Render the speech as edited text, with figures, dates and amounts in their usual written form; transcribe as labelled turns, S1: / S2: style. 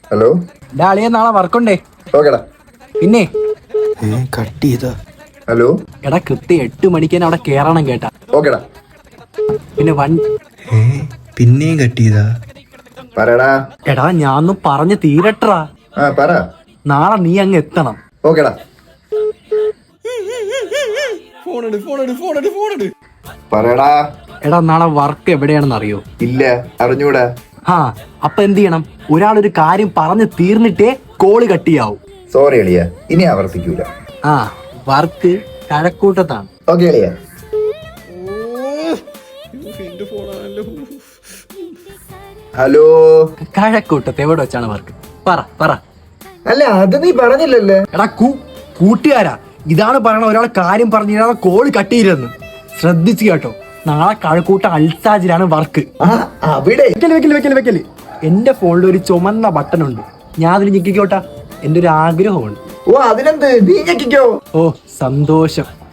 S1: Hello
S2: അളിയ നാളെ വർക്കുണ്ടേ.
S1: ഓക്കെടാ.
S2: പിന്നെ
S3: കട്ട് ചെയ്താ.
S1: ഹലോ
S2: എടാ കൃത്യം 8 മണിക്ക് തന്നെ അവിടെ കേറണം കേട്ടാ.
S1: ഓക്കെടാ.
S2: പിന്നെ
S3: പിന്നെയും കട്ട് ചെയ്താ.
S1: പറയടാ.
S2: എടാ ഞാൻ പറഞ്ഞു തീരട്ടാ.
S1: പറ.
S2: നാളെ നീ അങ്ങ് എത്തണം.
S1: ഓക്കെടാ. പറയടാ.
S2: എടാ നാളെ വർക്ക് എവിടെയാണെന്ന് അറിയോ?
S1: ഇല്ല, അറിഞ്ഞൂടാ.
S2: അപ്പൊ എന്ത് ചെയ്യണം? ഒരാളൊരു കാര്യം പറഞ്ഞു തീർന്നിട്ടേ കോള് കട്ട് ചെയ്യാവൂ.
S1: സോറി എളിയ, ഇനി ആവർത്തിക്കൂല.
S2: വർക്ക് കഴക്കൂട്ടത്താണ്.
S1: ഓക്കെ എളിയ. ഹലോ.
S2: കഴക്കൂട്ടത്ത് എവിടെ വെച്ചാണ് വർക്ക്? പറ.
S1: അല്ല, അത് നീ പറഞ്ഞില്ലല്ലേ.
S2: എടാ കൂട്ടുകാരാ, ഇതാണ് പറയണ. ഒരാൾ കാര്യം പറഞ്ഞു കോള് കട്ട് ചെയ്തെന്ന് ശ്രദ്ധിച്ചു കേട്ടോ. നാളെ കഴക്കൂട്ട അൽസാജിലാണ് വർക്ക്.
S1: അവിടെ
S2: വെക്കല്. എന്റെ ഫോണിൽ ഒരു ചുമന്ന ബട്ടൺ ഉണ്ട്. ഞാൻ അതിൽ ഞെക്കിക്കോട്ടാ. എന്റെ ഒരു ആഗ്രഹമുണ്ട്.
S1: അതിനെന്ത്, നീ ഞെക്കിക്കോ.
S2: സന്തോഷം.